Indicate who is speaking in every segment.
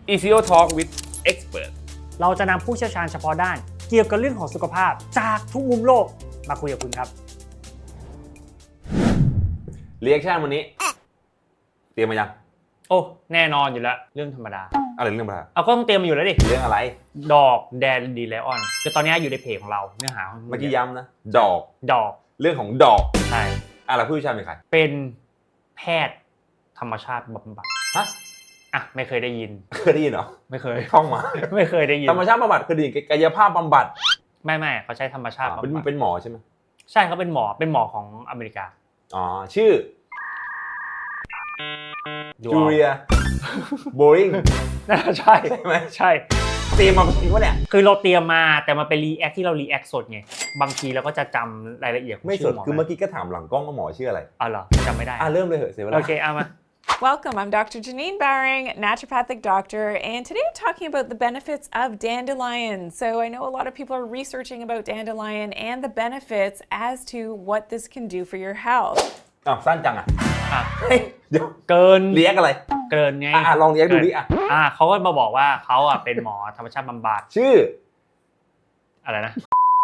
Speaker 1: ECO Talk with Expert
Speaker 2: เราจะนำผู้เชี่ยวชาญเฉพาะด้านเกี่ยวกับเรื่องของสุขภาพจากทุกมุมโลกมาคุยกับคุณครับ
Speaker 1: Reaction วันนี้เตรียมมายัง
Speaker 2: โอ้แน่นอนอยู่แล้วเรื่องธรรมดา
Speaker 1: อะไรเรื่องอะไร
Speaker 2: เอาก็ต้องเตรียมมาอยู่แล้วดิ
Speaker 1: เรื่องอะไร
Speaker 2: ดอกแดนดีไลออนคือตอนนี้อยู่ในเพจของเราเนื้อหา
Speaker 1: เมื่อกี้ย้ำนะดอก
Speaker 2: ดอก
Speaker 1: เรื่องของดอก
Speaker 2: ใช่
Speaker 1: แล้วผู้เชี่ยวชาญเป็นใคร
Speaker 2: เป็นแพทย์ธรรมชาติบำบัด
Speaker 1: ฮะ
Speaker 2: อ่ะไม่เคยได้ยิน
Speaker 1: เคยได้ยินเหรอ
Speaker 2: ไม่เคย
Speaker 1: ท่องมา
Speaker 2: ไม่เคยได้ยิน
Speaker 1: ธรรมชาติบำบัดคือดีกายภาพบำบัด
Speaker 2: ไม่เขาใช้ธรรมชาติบำบัด
Speaker 1: เป็นหมอใช่ไหม
Speaker 2: ใช่เขาเป็นหมอของอเมริกา
Speaker 1: อ๋อชื่อ
Speaker 2: ดู
Speaker 1: จู
Speaker 2: เอา
Speaker 1: เลียโบริง
Speaker 2: น่าใช่
Speaker 1: ใช่ไหม
Speaker 2: ใช่
Speaker 1: เตรียมมาจริงวะเนี่ย
Speaker 2: คือเราเตรียมมาแต่มันเป็นรีแอคที่เรารีแอคสดไงบางทีเราก็จะจำรายละเอียดของ
Speaker 1: ไม่ส
Speaker 2: ชื่
Speaker 1: ด
Speaker 2: อหมอ
Speaker 1: คือเมื่อกี้ก็ถามหลังกล้องว่าหมอชื่ออะไร
Speaker 2: อ๋อเหรอจำไม่ได้
Speaker 1: เริ่มเลยเหอะเสียเวลา
Speaker 2: โอเคเอามา
Speaker 3: Welcome, I'm Dr. Janine Bowering, naturopathic doctor, and today I'm talking about the benefits of dandelion. So I know a lot of people are researching about dandelion and the benefits as to what this can do for your health.
Speaker 1: สั้นจังอ่ะ
Speaker 2: อ่ะ
Speaker 1: เฮ้ยเดี๋ยว
Speaker 2: เกิน
Speaker 1: เรียกอะไร
Speaker 2: เกินไง
Speaker 1: ลองเรียกดูดิ
Speaker 2: เขาก็มาบอกว่าเขาอ่ะเป็นหมอธรรมชาติบำบัด
Speaker 1: ชื่อ
Speaker 2: อะไรนะ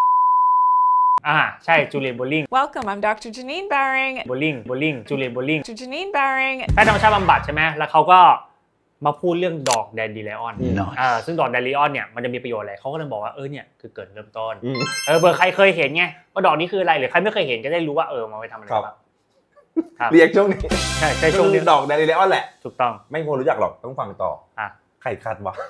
Speaker 2: ใช่จูเลียนโบลิง
Speaker 3: Welcome, I'm Dr. Janine Bowering,
Speaker 2: โบลิงจูเลียนโบลิง
Speaker 3: Dr. Janine Bowering,
Speaker 2: แพทย์ธรรมชาติบำบัดใช่ไหมแล้วเขาก็มาพูดเรื่องดอกแดนดีไลออนซึ่งดอกแดนดีไลออนเนี่ยมันจะมีประโยชน์อะไรเขาก็เลยบอกว่าเนี่ยคือเกิดเริ่มต้นเบอร์ใครเคยเห็นไงว่าดอกนี้คืออะไรหรือใครไม่เคยเห็นก็ได้รู้ว่ามันไปทำอะไรบ้าง
Speaker 1: เรียกช่วงนี้
Speaker 2: ใช่ช่วงนี้
Speaker 1: ดอกแดนเลออนแหละ
Speaker 2: ถูกต้อง
Speaker 1: ไม่ควรรู้จักหรอกต้องฟังต่อใครคัดวะ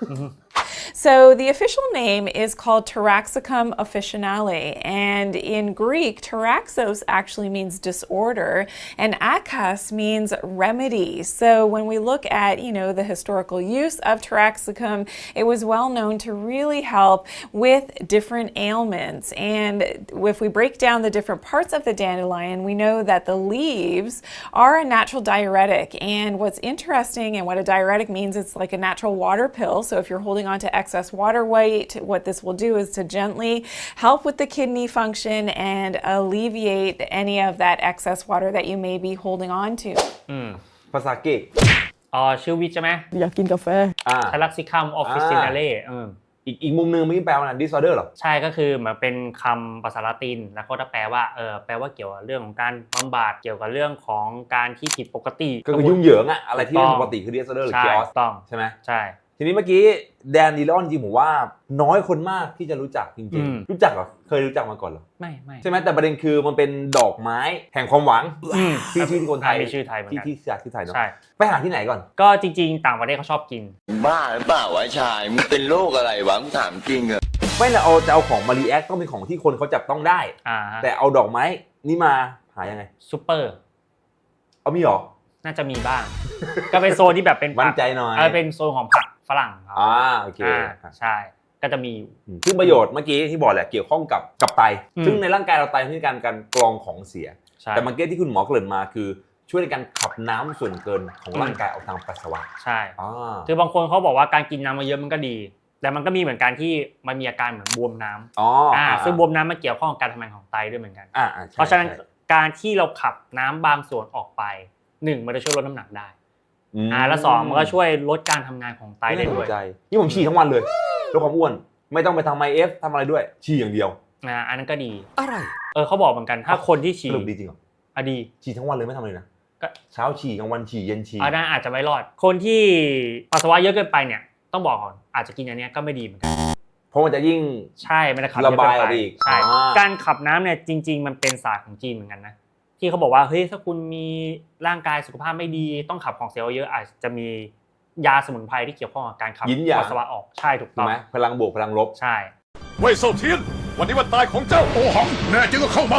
Speaker 3: So the official name is called Taraxacum officinale, and in Greek, taraxos actually means disorder, and akas means remedy. So when we look at, the historical use of Taraxacum, it was well known to really help with different ailments. And if we break down the different parts of the dandelion, we know that the leaves are a natural diuretic. And what's interesting and what a diuretic means, it's like a natural water pill. So if you're holding on to excess water weight, what this will do is to gently help with the kidney function and alleviate any of that excess water that you may be holding on to.
Speaker 1: ภาษาอังกฤษ
Speaker 2: ชื่อวิทย์ใช่ไหม
Speaker 3: อยากกินกาแฟ
Speaker 2: ทารักซิคัมออฟฟิซินาเล่
Speaker 1: อีกมุมนึงเมื่อกี้แปลว่าอะไร disorder เหรอ
Speaker 2: ใช่ก็คือเหมือนเป็นคำภาษาละตินแล้วก็จะแปลว่าแปลว่าเกี่ยวกับเรื่องของการบำบัดเกี่ยวกับเรื่องของการที่ผิดปกติ
Speaker 1: ก็คือยุ่งเหยิงอะอะไรที่เป็นปกติคือ disorder หรือ chaos
Speaker 2: ต้อง
Speaker 1: ใช่ไหม
Speaker 2: ใช่
Speaker 1: ทีนี้เมื่อกี้แดนดีลอนจริงผมว่าน้อยคนมากที่จะรู้จักจริงๆรู้จักเหรอเคยรู้จักมาก่อนเหรอ
Speaker 2: ไม่
Speaker 1: ใช่ไหมแต่ประเด็นคือมันเป็นดอกไม้แห่งความหวังที่ชื่อคนไทย
Speaker 2: มีชื่อไทยเหมือนกัน
Speaker 1: ที่จากที่ไทยเนาะ
Speaker 2: ใช่
Speaker 1: ไปหาที่ไหนก่อน
Speaker 2: ก็จริงๆต่างประเทศเขาชอบกิน
Speaker 4: บ้าหรือเปล่าวะชายมึงเป็นโรคอะไรวะมึงถามจริงเหรอ
Speaker 1: ไม่ละจะเอาของมารีแอคต้องเป็นของที่คนเขาจับต้องได้ แต่เอาดอกไม้นี่มาหายังไง
Speaker 2: ซูเปอร์
Speaker 1: เอามีหรอ
Speaker 2: น่าจะมีบ้าง ก็เป็นโซนที่แบบเป็น
Speaker 1: มั่นใจหน่อย
Speaker 2: เป็นโซนของผักฝรั่งครับ
Speaker 1: โอเค
Speaker 2: ใช่ก็จะมีอยู่
Speaker 1: ซึ่งประโยชน์เมื่อกี้ที่บอกแหละเกี่ยวข้องกับไตซึ่งในร่างกายเราไตเป็นการกรองของเสียแต่เมื่อกี้ที่คุณหมอเกริ่นมาคือช่วยในการขับน้ำส่วนเกินของร่างกายออกทางปัสสาวะ
Speaker 2: ใช่คือบางคนเขาบอกว่าการกินน้ำมาเยอะมันก็ดีแต่มันก็มีเหมือนกันที่มันมีอาการเหมือนบวมน้ำซึ่งบวมน้ำมันเกี่ยวข้องกับการทำงานของไตด้วยเหมือนกันเพราะฉะนั้นการที่เราขับน้ำบางส่วนออกไป1มันจะช่วยลดน้ำหนักได้แล้ว2มันก็ช่วยลดการทำงานของไตได้ด้วย
Speaker 1: นี่ผมฉี่ทั้งวันเลยลดความอ้วนไม่ต้องไปทำ IF ทำอะไรด้วยฉี่อย่างเดียว
Speaker 2: อันนั้นก็ดี
Speaker 1: อะไร
Speaker 2: เขาบอกเหมือนกันถ้าคนที่ฉี่
Speaker 1: สรุปดีจริงเหรอ
Speaker 2: ดี
Speaker 1: ฉี่ทั้งวันเลยไม่ทำอะไรนะเช้าฉี่กลางวันฉี่เย็นฉี่
Speaker 2: นั่นอาจจะไม่รอดคนที่ปัสสาวะเยอะเกินไปเนี่ยต้องบอกก่อนอาจจะกินอันนี้ก็ไม่ดีเหมือนกัน
Speaker 1: เพราะมันจะยิ่ง
Speaker 2: ใช่มันจะขับ
Speaker 1: ระบายออกอีก
Speaker 2: ใช่การขับน้ำเนี่ยจริงๆมันเป็นศาสตร์ของจีนเหมือนกันนะที่เขาบอกว่าเฮ้ยถ้าคุณมีร่างกายสุขภาพไม่ดีต้องขับของเสียเยอะอาจจะมียาสมุนไพรที่เกี่ยวข้องกับการขับปัสสาวะออกใช่ถูกต้อง
Speaker 1: ไหมพลังบวกพลังลบ
Speaker 2: ใช่
Speaker 5: เว่ยเซาเทียนวันนี้วันตายของเจ้าโอหังแน่จริงก็เข้ามา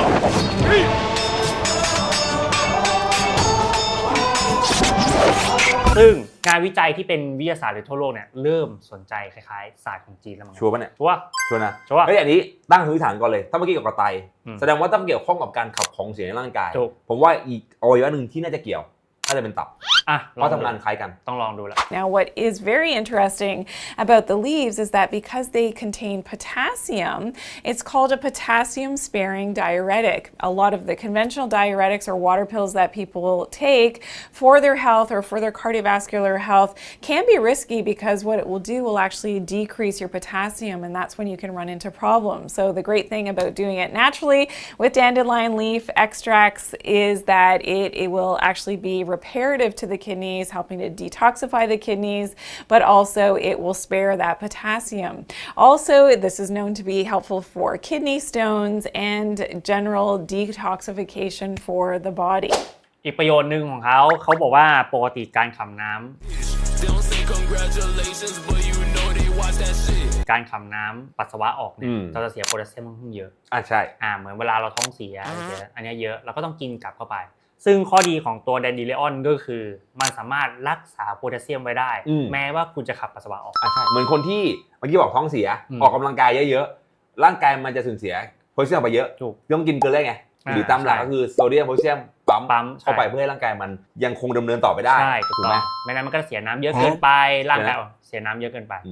Speaker 2: ซึ่งงานวิจัยที่เป็นวิทยาศาสตร์หรือทั่วโลกเนี่ยเริ่มสนใจคล้ายๆศาสตร์ของจีนแล้วมั้ง
Speaker 1: ชัวร์ป่ะเนี่ย
Speaker 2: ชัวร์
Speaker 1: นะเฮ้ยอันนี้ตั้งพื้นฐานก่อนเลยถ้าเมื่อกี้กับไตแสดงว่าต้องเกี่ยวข้องกับการขับของเสียในร่างกายผมว่าอีกอวัยวะหนึ่งที่น่าจะเกี่ยวน่าจะเป็นตับ
Speaker 2: เพ
Speaker 1: ราะทำงานคล้ายกัน
Speaker 2: ต้องลองดูแล้ว
Speaker 3: Now, what is very interesting about the leaves is that because they contain potassium, it's called a potassium-sparing diuretic. A lot of the conventional diuretics or water pills that people take for their health or for their cardiovascular health can be risky because what it will do will actually decrease your potassium, and that's when you can run into problems. So the great thing about doing it naturally with dandelion leaf extracts is that it will actually be reparative to the kidneys, helping to detoxify the kidneys, but also it will spare that potassium. Also, this is known to be helpful for kidney stones and general detoxification for the body.
Speaker 2: อีกประโยชน์หนึ่งของเขาบอกว่าปกติการขับน้ำการขับน้ำปัสสาวะออกเนี่ยเราจะเสียโพแทสเซียมค่อนข้างเยอะ
Speaker 1: ใช่
Speaker 2: เหมือนเวลาเราท้องเสียอันนี้เยอะเราก็ต้องกินกลับเข้าไปซึ่งข้อดีของตัวแดนดิเลออนก็คือมันสามารถรักษาโพแทสเซียมไว้ได้แม้ว่าคุณจะขับปัสสาวะออก
Speaker 1: ใช่เหมือนคนที่เมื่อกี้บอกท้องเสียออกกำลังกายเยอะๆร่างกายมันจะสูญเสียโพแทสเซียมไปเยอะต้องกินเกลือไงหรือตามหลักก็คือโซเดียมโพแทสเซียมปั๊มเข้าไปเพื่อให้ร่างกายมันยังคงดำเนินต่อไปได้
Speaker 2: ถูกไหมไม่งั้นมันก็เสียน้ำเยอะเกินไปร่างกายเสียน้ำเยอะเกินไป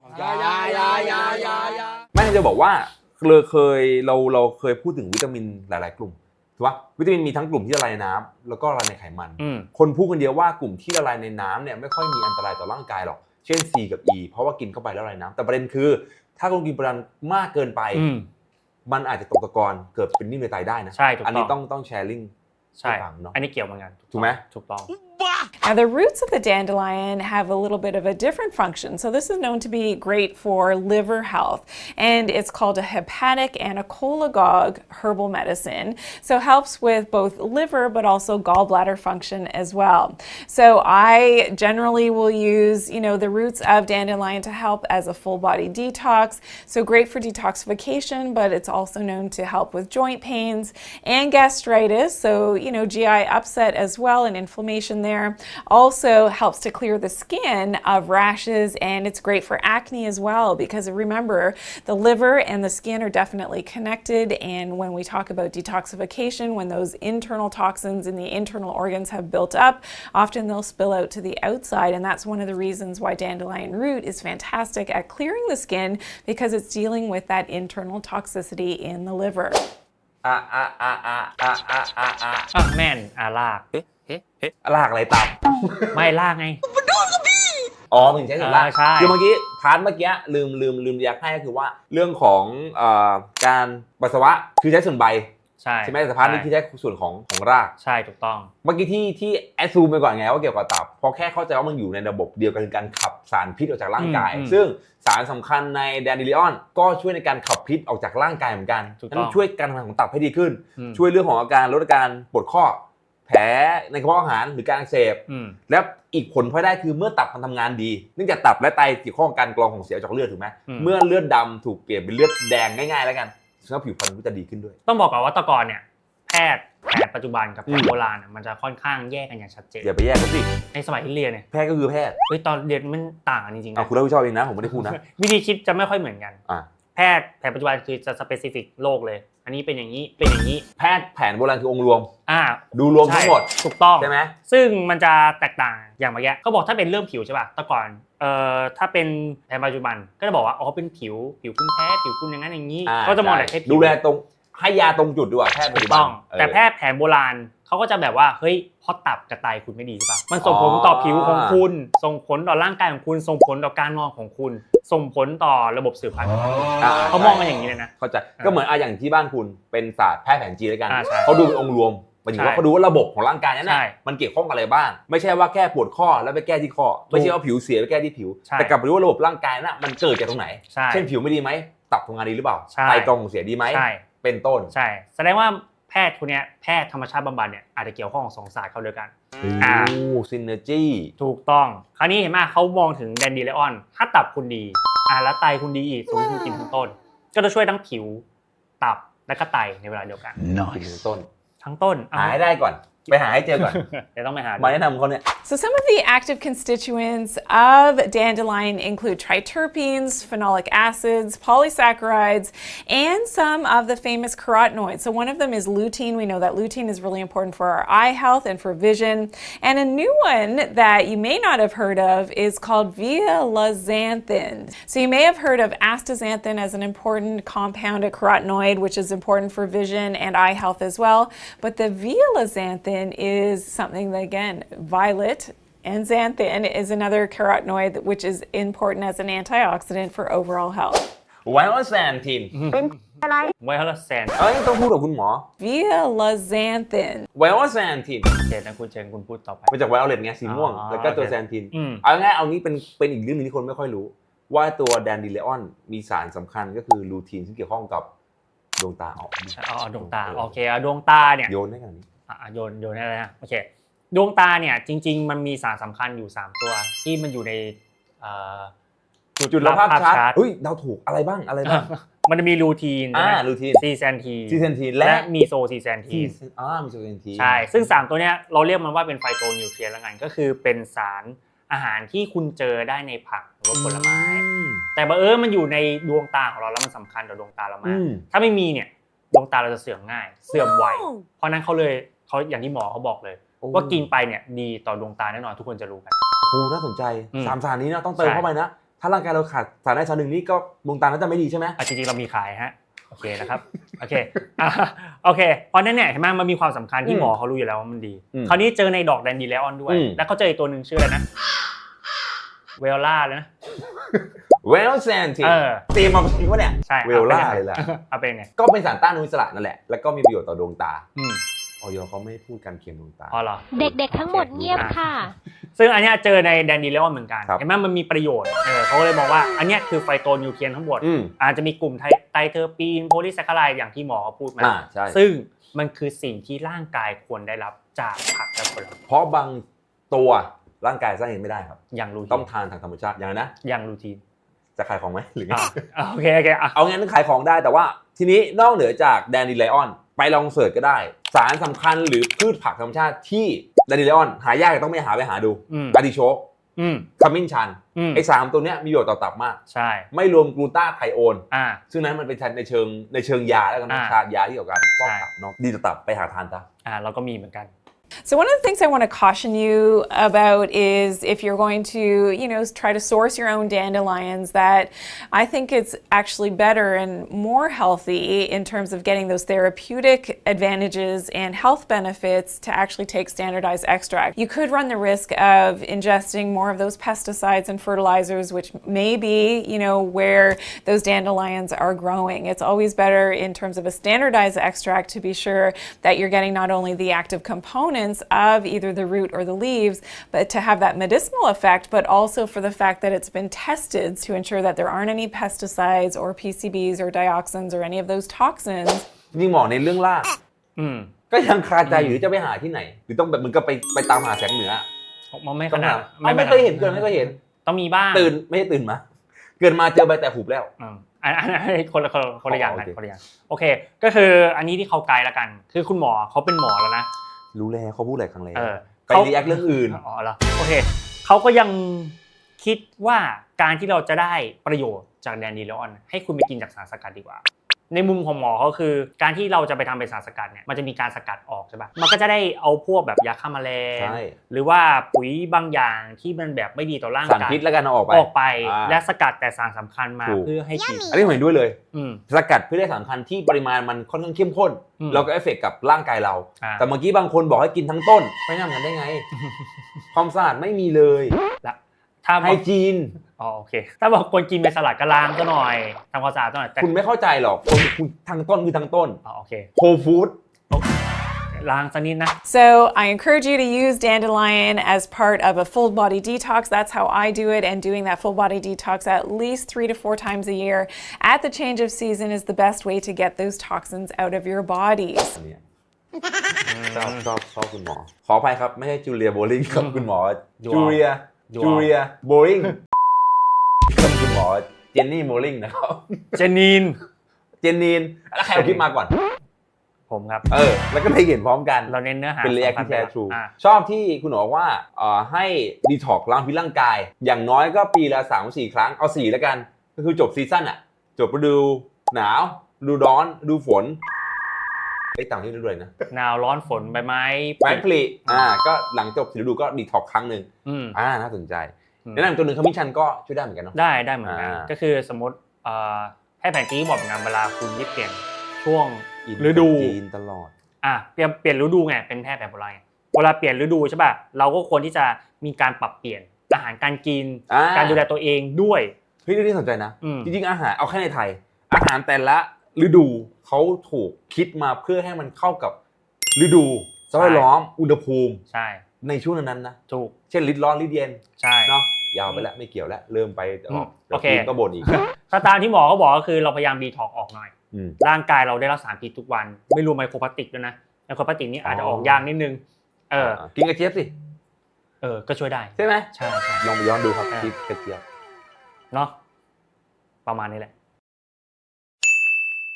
Speaker 1: ไม่จะบอกว่าเราเคยพูดถึงวิตามินหลายๆกลุ่มถูกป่ะวิตามินมีทั้งกลุ่มที่ละลายในน้ำแล้วก็ละลายในไขมันคนพูดกันเยอะว่ากลุ่มที่ละลายในน้ำเนี่ยไม่ค่อยมีอันตรายต่อร่างกายหรอกเช่น C กับ E เพราะว่ากินเข้าไปแล้วละลายน้ำแต่ประเด็นคือถ้าคุณกินปริมาณมากเกินไปมันอาจจะตกตะกอนเกิดเป็นนิ่มในไตได้นะอันนี้ต้องแชร์ลิงก์
Speaker 2: ใช่อันนี้เกี่ยวเหมือนกัน
Speaker 1: ถูกไหม
Speaker 2: ถูกต้อง
Speaker 3: Now, the roots of the dandelion have a little bit of a different function. So this is known to be great for liver health, and it's called a hepatic anacholagogue herbal medicine. So it helps with both liver but also gallbladder function as well. So I generally will use, the roots of dandelion to help as a full body detox. So great for detoxification, but it's also known to help with joint pains and gastritis. So, GI upset as well and inflammation there. Also helps to clear the skin of rashes, and it's great for acne as well because remember, the liver and the skin are definitely connected, and when we talk about detoxification, when those internal toxins in the internal organs have built up, often they'll spill out to the outside, and that's one of the reasons why dandelion root is fantastic at clearing the skin because it's dealing with that internal toxicity in the liver.
Speaker 2: แม่นลาก
Speaker 1: ลากอะไรตับ
Speaker 2: ไม่ลากไง
Speaker 1: มึงใช้ส่วนลากคือเมื่อกี้พาร์ทเมื่อกี้ลืมอยากให้ก็คือว่าเรื่องของการปัสสาวะคือใช้ส่วนใบใช่ไหมแต่พาร์ทนี้ที่ใช้ส่วนของราก
Speaker 2: ใช่ถูกต้อง
Speaker 1: เมื่อกี้ที่แอดซูมไปก่อนไงว่าเกี่ยวกับตับพอแค่เข้าใจว่ามันอยู่ในระบบเดียวกันคือการขับสารพิษออกจากร่างกายซึ่งสารสำคัญในแดนดิลิออนก็ช่วยในการขับพิษออกจากร่างกายเหมือนกันนั่นช่วยการทำงานของตับให้ดีขึ้นช่วยเรื่องของอาการลดอาการปวดข้อแผลในกระเพาะอาหารหรือการอักเสบและอีกผลพลอยได้คือเมื่อตับมันทำงานดีเนื่องจากตับและไตเกี่ยวข้องกับการกรองของเสียจากเลือดถูกไหมเมื่อเลือดดำถูกเปลี่ยนเป็นเลือดแดงง่ายๆแล้วกันซึ่งผิวพรรณก็จะดีขึ้นด้วย
Speaker 2: ต้องบอกก่อนว่าตะกอนเนี่ยแพทย์ปัจจุบันกับแพทย์โบราณมันจะค่อนข้างแยกกันอย่างชัดเจน
Speaker 1: อย่าไปแยกกันสิ
Speaker 2: ในสมัยที่เรียนเนี่ย
Speaker 1: แพทย์ก็คือแพทย์
Speaker 2: ตอนเรียนมันต่างกันจริงๆ
Speaker 1: คุณรับผิดชอบเองนะผมไม่ได้พูดนะ
Speaker 2: วิธีคิดจะไม่ค่อยเหมือนกันแพทย์แผนปัจจุบันคือจะสเปซิฟิกโรคเลยอันนี้เป็นอย่างนี้
Speaker 1: แพทย์แผนโบราณคือองค์รวมดูรวมทั้งหมด
Speaker 2: ถูกต้อง
Speaker 1: ใช่ไหม
Speaker 2: ซึ่งมันจะแตกต่างอย่างเมื่อกี้เขาบอกถ้าเป็นเรื่องผิวใช่ป่ะแต่ก่อนถ้าเป็นแผนปัจจุบันก็จะบอกว่าเป็นผิวคุณแพ้ผิวคุณอย่างนั้นอย่างนี้ก็จะมองแต่แค่ผิว
Speaker 1: ดูแลตรงให้ยาตรงจุดด้วยแพทย์ปัจจุบัน
Speaker 2: แต่แพทย์แผนโบราณเขาก็จะแบบว่าเฮ้ยพอตับกับไตคุณไม่ดีใช่ป่ะมันส่งผลต่อผิวของคุณส่งผลต่อร่างกายของคุณส่งผลต่อการนอนของคุณส่งผลต่อระบบสืบพันธุ์เขามองกันอย่างนี้เลยนะ
Speaker 1: เข้าใจก็เหมือนอย่างที่บ้านคุณเป็นศาสตร์แพทย์แผนจีนด้วยกันเขาดูเป็นองค์รวมหมายถึงว่าเขาดูว่าระบบของร่างกายนั้นมันเกี่ยวข้องกับอะไรบ้างไม่ใช่ว่าแค่ปวดข้อแล้วไปแก้ที่ข้อไม่ใช่ว่าผิวเสียไปแก้ที่ผิวแต่กลับไปดูว่าระบบร่างกายนั้นมันเกิดจากตรงไหนเช่นผิวไม่ดีไหมตับทำงานดีหรือเปล่าไตกรองของเสียดีไหมเป็นต้น
Speaker 2: ใช่แสดงว่าแพทย์คนนี้แพทย์ธรรมชาติบำบัดเนี่ยอาจจะเกี่ยวข้องกับ2ศาสตร์เข้าด้วยกัน
Speaker 1: ซินเนอร์จี้
Speaker 2: ถูกต้องคราวนี้เห็นไหมเขามองถึงแดนดิเลออนถ้าตับคุณดีแล้วไตคุณดีอีกสมมติคุณกินทั้งต้นก็จะช่วยทั้งผิวตับและก็ไตในเวลาเดียวกัน
Speaker 1: ทั้งต้น
Speaker 2: ทั้งต้น
Speaker 1: หายได้ก่อนไปหาให้เจอก่อน
Speaker 2: เดี๋ยวต้องไปหา
Speaker 1: มาแนะนำเขาเนี่ย
Speaker 3: So some of the active constituents of dandelion include triterpenes, phenolic acids, polysaccharides, and some of the famous carotenoids. So one of them is lutein. We know that lutein is really important for our eye health and for vision. And a new one that you may not have heard of is called violazanthin. So you may have heard of astaxanthin as an important compound, a carotenoid, which is important for vision and eye health as well. But the violazanthin is something that, again, violet and xanthan is another carotenoid which is important as an antioxidant for overall health.
Speaker 1: ไวโอแซนทิน
Speaker 2: ไวโอแซน
Speaker 1: ต้องพูดกับคุณหมอ
Speaker 3: Violazanthin.
Speaker 1: ไวโอแซนทิน
Speaker 2: เชิญนะคุณเชิญคุณพูดต่อไป
Speaker 1: มาจากไวโอเลตไงสีม่วง
Speaker 2: อ๋อ
Speaker 1: แล้วก็ตัว
Speaker 2: โอเค
Speaker 1: แซนทิน
Speaker 2: อืม
Speaker 1: เอาง่ายเอานี้เป็นอีกเรื่องนึงที่คนไม่ค่อยรู้ ว่าตัวแดนดิเลออนมีสารสำคัญก็คือลูทีนที่เกี่ยวข้องกับดวงตาออก
Speaker 2: เอาดวงตาโอเคดวงตาเนี่ย
Speaker 1: โยนได้ขนาดนี้
Speaker 2: โยนอะไรนะโอเคดวงตาเนี่ยจริงๆมันมีสารสำคัญอยู่3ตัวที่มันอยู่ใน
Speaker 1: จุดรับภาพชัด
Speaker 2: ร์ต
Speaker 1: เฮ้ยเราถูกอะไรบ้างอะไรบ้าง
Speaker 2: มันจะมีลูทีนใช่ไหม
Speaker 1: ลูทีน
Speaker 2: ซีแซนทีน
Speaker 1: ซีเซนทีนและ
Speaker 2: และมีโซซีแซนทีน
Speaker 1: มีโซเซนทีน
Speaker 2: ใช่ซึ่ง3ตัวเนี้ยเราเรียกมันว่าเป็นไฟโตนิวเทรียนแล้วกันก็คือเป็นสารอาหารที่คุณเจอได้ในผักหรือว่าผลไม้ แต่บังเอิญมันอยู่ในดวงตาของเราแล้วมันสำคัญต่อดวงตาเรามากถ้าไม่มีเนี่ยดวงตาเราจะเสื่อมง่ายเสื่อมไวเพราะนั้นเขาอย่างที่หมอเขาบอกเลยว่ากินไปเนี่ยดีต่อดวงตาแน่นอนทุกคนจะรู้กัน
Speaker 1: โอ้น่าสนใจ3สารนี้นะต้องเติมเข้าไปนะถ้าร่างกายเราขาดสารใดสารหนึ่งนี่ก็ดวงตาน่าจะไม่ดีใช่ไหม
Speaker 2: จริงๆเรามีขายฮะโอเคนะครับโอเคโอเคเพราะนั้นเนี่ยเห็นไหมมันมีความสำคัญที่หมอเขารู้อยู่แล้วว่ามันดีคราวนี้เจอในดอกแดนดิเลออนด้วยแล้วเขาเจออีกตัวหนึ่งชื่ออะไรนะเวลล่าเลยนะ
Speaker 1: เวลแซนทีนเตรียมมาจริงวะเนี่ย
Speaker 2: ใช่
Speaker 1: เวลล่าเลยแหละ
Speaker 2: เอาเป็นไง
Speaker 1: ก็เป็นสารต้านอนุมูลอิสระนั่นแหละแล้วก็มีประโยชน์ต่อดวงตาออยเขาไม่พูดการเคียงดวงตา
Speaker 2: อ๋อเหรอ
Speaker 6: เด็กๆทั้งหมดเงียบค่ะ
Speaker 2: ซึ่งอันเนี้ยเจอในแดนดิเลออนเหมือนกันเห็นไหมมันมีประโยชน์เขาเลยมองว่าอันเนี้ยคือไฟโตนิวเทรียนทั้งหมดอาจจะมีกลุ่มไตเทอร์ปีนโพลีแซคคาไรด์อย่างที่หมอเขาพูดมาซึ่งมันคือสิ่งที่ร่างกายควรได้รับจากผักและผลไม้
Speaker 1: เพราะบางตัวร่างกายสร้างเองไม่ได้ครับ
Speaker 2: อย่างรูทีน
Speaker 1: ต้องทานทางธรรมชาติอย่างนะ
Speaker 2: อย่างรูทีน
Speaker 1: จะขายของไหมหรือไง
Speaker 2: โอเค
Speaker 1: เอางั้นขายของได้แต่ว่าทีนี้นอกเหนือจากแดนดิเลออนไปลองเสิร์ชก็ได้สารสำคัญหรือพืชผักธรรมชาติที่แดนดิเลออนหายากต้องไปหาดูอาร์ติโชกขมิ้นชันไอ้3ตัวเนี้ยมีประโยชน์ต่อตับมากใช่ไม่รวมกลูตาไทโอนซึ่งนั้นมันเป็นในเชิงยาแล้วกันชายาที่เกี่ยวกับการฟอกตับเนาะดีต่อตับไปหาทานซะ
Speaker 2: เราก็มีเหมือนกัน
Speaker 3: So one of the things I want to caution you about is if you're going to, try to source your own dandelions, that I think it's actually better and more healthy in terms of getting those therapeutic advantages and health benefits to actually take standardized extract. You could run the risk of ingesting more of those pesticides and fertilizers, which may be, where those dandelions are growing. It's always better in terms of a standardized extract to be sure that you're getting not only the active components of either the root or the leaves, but to have that medicinal effect, but also for the fact that it's been tested to ensure that there aren't any pesticides or PCBs or dioxins or any of those toxins.
Speaker 1: นี่หมอในเรื่องล่าก็ยังคาใจอยู่จะไปหาที่ไหนหรือต้องแบบมึงก็ไปตามหาแสงเหนือ
Speaker 2: มันไม่ขนาด
Speaker 1: ไม่เคยเห็นไม่เคยเห็น
Speaker 2: ต้องมีบ้าง
Speaker 1: ไม่ใช่ตื่นมาเกิดมาเจอใบแต่หุบแล้ว
Speaker 2: อันนี้คนละอย่างกันคนละอย่างโอเคก็คืออันนี้ที่เขาไกด์ละกันคือคุณหมอเขาเป็นหมอแล้วนะ
Speaker 1: รู้แล้วเขาพูดหลายครั้งแล้วไปรีแอคเรื่องอื่น
Speaker 2: อ๋อเหรอโอเคเขาก็ยังคิดว่าการที่เราจะได้ประโยชน์จากแดนดิเลออนให้คุณไปกินจากสารสกัดดีกว่าในมุมของหมอเขาคือการที่เราจะไปทำเป็นสารสกัดเนี่ยมันจะมีการสกัดออกใช่ป่ะมันก็จะได้เอาพวกแบบยาฆ่าแมลงหรือว่าปุ๋ยบางอย่างที่มันแบบไม่ดีต่อร่างกาย
Speaker 1: สารพิษแล้วกันออก
Speaker 2: ไปและสกัดแต่สารสำคัญมาเพื่อให้กิน
Speaker 1: อันนี้ผมเห็นด้วยเลยสกัดเพื่อได้สารสำคัญที่ปริมาณมันค่อนข้างเข้มข้นแล้วก็เอฟเฟกต์กับร่างกายเราแต่เมื่อกี้บางคนบอกให้กินทั้งต้นไม่ทำกันได้ไงความสะอาดไม่มีเลย
Speaker 2: ถ้า
Speaker 1: ไฮจีน
Speaker 2: โอเคถ้าบอกคนกินเป็นสลัดก็ล้างก็หน่อยทำความสะอาดหน่อย
Speaker 1: คุณไม่เข้าใจหรอกคุณทั้งต้นคือทั้งต้น
Speaker 2: โอเค
Speaker 1: โฮลฟู้ด
Speaker 2: ล้างสักนิดนะ
Speaker 3: So I encourage you to use dandelion as part of a full body detox. That's how I do it, and doing that full body detox at least 3 to 4 times a year at the change of season is the best way to get those toxins out of your bodies.
Speaker 1: ชอบคุณหมอขออภัยครับไม่ใช่จูเลียโบลิงครับคุณหมอจูเลียโบลิงกับคุณหมอเจนนี่โบลิงนะครับ
Speaker 2: เจนนีน
Speaker 1: แล้วใครเอาคลิปมาก่อน
Speaker 2: ผมครับ
Speaker 1: แล้วก็ได้เห็นพร้อมกัน
Speaker 2: เราเน้นเนื้อหา
Speaker 1: เป็น react ที่แท้ true ชอบที่คุณบอกว่าให้ดีท็อกล้างพิษร่างกายอย่างน้อยก็ปีละ 3-4 ครั้งเอา4แล้วกันก็คือจบซีซั่นอ่ะจบฤดูหนาวฤดูร้อนฤดูฝนต่างที่ฤดูเลยนะ
Speaker 2: หนาวร้อนฝนใบไม้
Speaker 1: ผลิก็หลังจบ4ฤดูก็ดีท็อกครั้งนึงน่าสนใจแนะนำตัวหนึ่งขมิ้นชันก็ช่วยได้เหมือนกันเนาะ
Speaker 2: ได้เหมือนกันก็คือสมมติให้แผนที่บอกงานเวลาคุณเปลี่ยนช่วงฤดู
Speaker 1: ตลอด
Speaker 2: เปลี่ยนฤดูไงเป็นแพทย์แผนโบราณเวลาเปลี่ยนฤดูใช่ป่ะเราก็ควรที่จะมีการปรับเปลี่ยนอาหารการกินการดูแลตัวเองด้วย
Speaker 1: เฮ้ยนี่สนใจนะจริงๆอาหารเอาแค่ในไทยอาหารแต่ละฤดูเขาถูกคิดมาเพื่อให้มันเข้ากับฤดูสภาพแวดล้อมอุณหภูมิในช่วงนั้นนะ
Speaker 2: ถูก
Speaker 1: เช่นฤดูร้อนฤดูเย็นเนาะยาวไปแล้วไม่เกี่ยวแล้วเริ่มไป
Speaker 2: โอเค
Speaker 1: ก็บ่นอีก
Speaker 2: ถ้าตามที่หมอเขาบอกก็คือเราพยายามดีท็อกออกหน่อยร่างกายเราได้รับสารพิษทุกวันไม่รวมไมโครพลาสติกด้วยนะไมโครพลาสติกนี่อาจจะออกยากนิดนึง
Speaker 1: กินกระเจี๊ยบสิ
Speaker 2: ก็ช่วยได้
Speaker 1: ใช่ไหม
Speaker 2: ใช่
Speaker 1: ลองไปย้อนดูครับกินกระเจี๊ยบ
Speaker 2: เนาะประมาณนี้แหละ